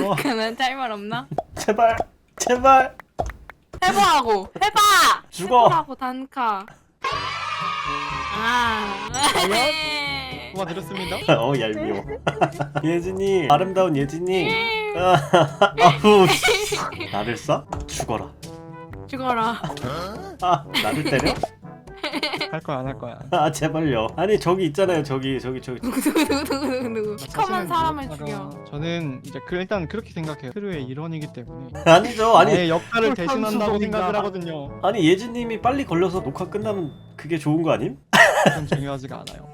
그는 할 말 없나? 제발 제발 해보라고 해봐. 죽어. 해보라고 단카. 아. 도와드렸습니다. 얄미워. 예진이 아름다운 예진이. 아우 나를 쏴? 죽어라. 죽어라. 나를 때려? 할 거야 안 할 거야. 제발요. 아니 저기 있잖아요. 저기. 누구? 시커먼 사람을 사실은 죽여. 저는 이제 일단 그렇게 생각해요. 크루의 일원이기 때문에 아니죠. 아니 나의 역할을 대신한다고 선수동이다. 생각을 하거든요. 아니 예진님이 빨리 걸려서 녹화 끝나면 그게 좋은 거 아님? 그건 중요하지가 않아요.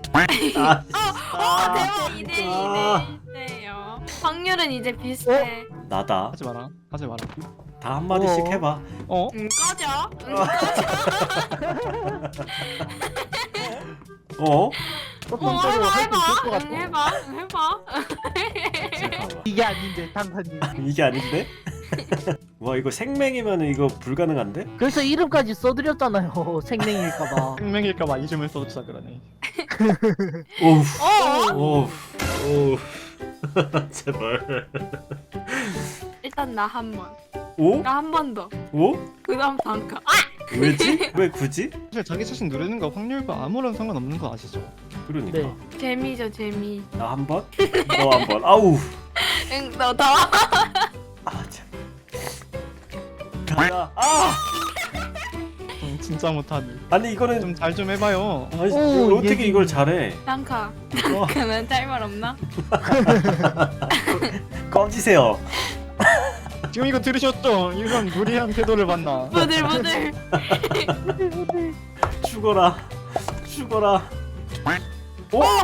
대박. 2대2요. 확률은 이제 비슷해. 나다. 하지 마라. 하지 마라. 다 한마디씩 해봐. 어? 꺼져. 어? 해봐. 잠깐만. 이게 아닌데 당사님. 이게 아닌데? 와 이거 생맹이면 이거 불가능한데? 그래서 이름까지 써드렸잖아요. 생명일까봐. 생명일까봐 이름을 써주자 그러네. 오우 오우 제발. 일단 나 한 번. 오? 나 한 번 더. 오? 그다음 단카. 왜지? 왜 굳이? 사실 자기 자신 누르는 거 확률과 아무런 상관없는 거 아시죠? 그러니까 네. 재미죠 재미. 나 한 번? 너 한 번. 아우. 응, 너 더. 참. 가자. 아! 진짜 못하니. 아니 이거는 좀 잘 좀 해봐요. 아니, 오, 어떻게 예진이. 이걸 잘해? 단카. 어, 그는 할 말 없나? 꺼지세요. 지금 이거 들으셨죠? 이런 무리한 태도를 봤나? 부들부들. 죽어라. 죽어라. 오! 오!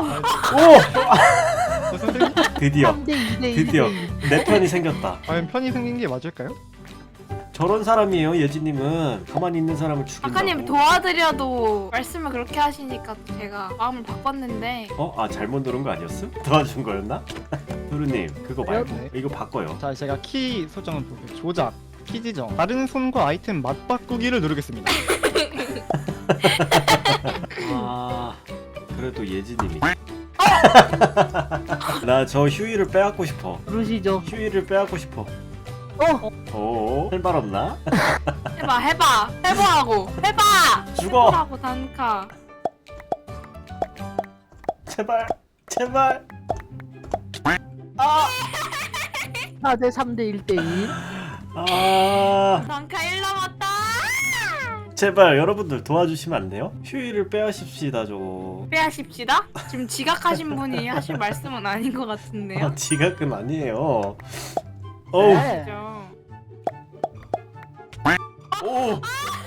선생님? 드디어 3대 2대 2대 드디어 내 편이 생겼다. 과연 편이 생긴 게 맞을까요? 저런 사람이에요. 예진님은 가만히 있는 사람을 죽인다고. 작가님 도와드려도 말씀을 그렇게 하시니까 제가 마음을 바꿨는데. 잘못 누른 거 아니었어? 도와준 거였나? 두루님 그거 말고 네. 이거 바꿔요. 자, 제가 키 설정을 볼게요. 조작, 키 지정, 다른 손과 아이템 맞바꾸기를 누르겠습니다. 그래도 예진님이. 나 저 휴이를 빼앗고 싶어. 부르시죠. 휴이를 빼앗고 싶어. 할 말 없나? 해보라고 해봐. 죽어. 해보라고 단카. 제발. 4대 3대 1대 1. 단카 1 남았다. 제발 여러분들 도와주시면 안 돼요? 휴이를 빼앗읍시다 저거. 빼하십시다. 지금 지각하신 분이 하실 말씀은 아닌 것 같은데요. 지각은 아니에요. 어우. 네. 그죠? 오.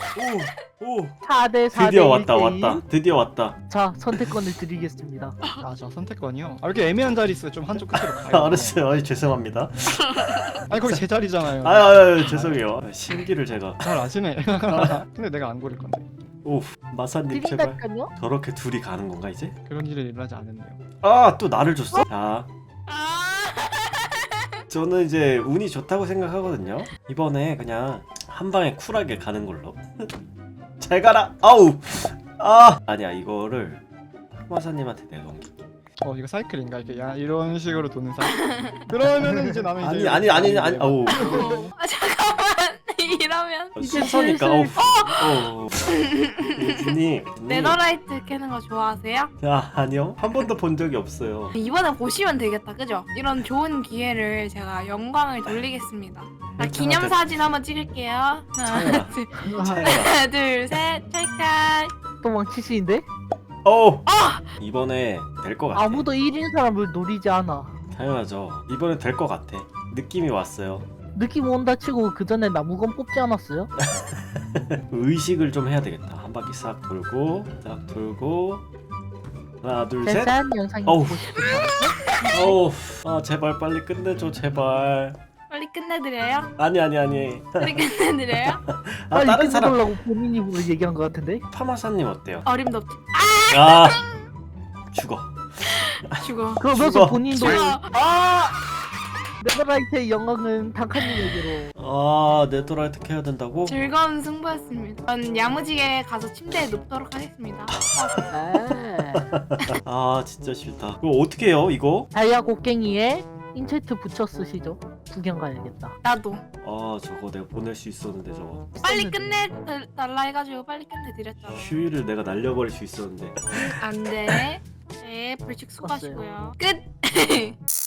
4대 4대 드디어 1대 왔다. 드디어 왔다. 자, 선택권을 드리겠습니다. 저 선택권이요? 이렇게 애매한 자리 있어요. 좀 한쪽 끝으로 가요. 알았어요. 죄송합니다. 아니 거기 제 자리잖아요. 죄송해요. 신기를 제가. 잘 아시네. 근데 내가 안 고를 건데. 마사님 제발. 드린다니까요? 저렇게 둘이 가는 건가 이제? 그런 일을 일어나지 않았네요. 또 나를 줬어? 자, 저는 이제 운이 좋다고 생각하거든요. 이번에 그냥 한 방에 쿨하게 가는 걸로. 잘 가라. 아니야 이거를 마사님한테 내넘기. 이거 사이클인가 이게 이런 식으로 도는 사이클. 그러면은 이제 나는 이제 아니. 아우. 잠깐만. 이러면 순서니까. 예진이. 네더라이트 캐는 거 좋아하세요? 아니요. 한 번도 본 적이 없어요. 이번에 보시면 되겠다, 그죠? 이런 좋은 기회를 제가 영광을 돌리겠습니다. 자, 기념사진 한번 찍을게요. 차야. 하나, 둘, 셋, 찰칵. 도망치시는데? 이번에 될 것 같아. 아무도 1인 사람을 노리지 않아. 당연하죠. 이번에 될 것 같아. 느낌이 왔어요. 느낌 온다 치고 그 전에 나무건 뽑지 않았어요? 의식을 좀 해야 되겠다. 한 바퀴 싹 돌고 하나 둘 셋. 대단 영상이 어우. 보고 싶은 제발 빨리 끝내줘 제발. 빨리 끝내드려요? 아니. 빨리 끝내드려요? 빨리 다른 사람. 끝내달라고 본인 입으로 얘기한 것 같은데? 파마사님 어때요? 어림도 없지. 죽어. 죽어. 그러면서 죽어. 본인도 죽어. 네더라이트의 영광은 단칸님에게로. 네더라이트 해야 된다고? 즐거운 승부였습니다. 전 야무지게 가서 침대에 눕도록 하겠습니다. 아. 진짜 싫다. 이거 어떻게 해요 이거? 다이아 곡괭이에 인체트 붙여 쓰시죠. 구경 가야겠다. 나도 아 저거 내가 보낼 수 있었는데 저거 빨리 끝내달라 해가지고 빨리 끝내드렸잖아. 휴일을 내가 날려버릴 수 있었는데 안돼. 네, 벌칙 수고하시고요. 끝.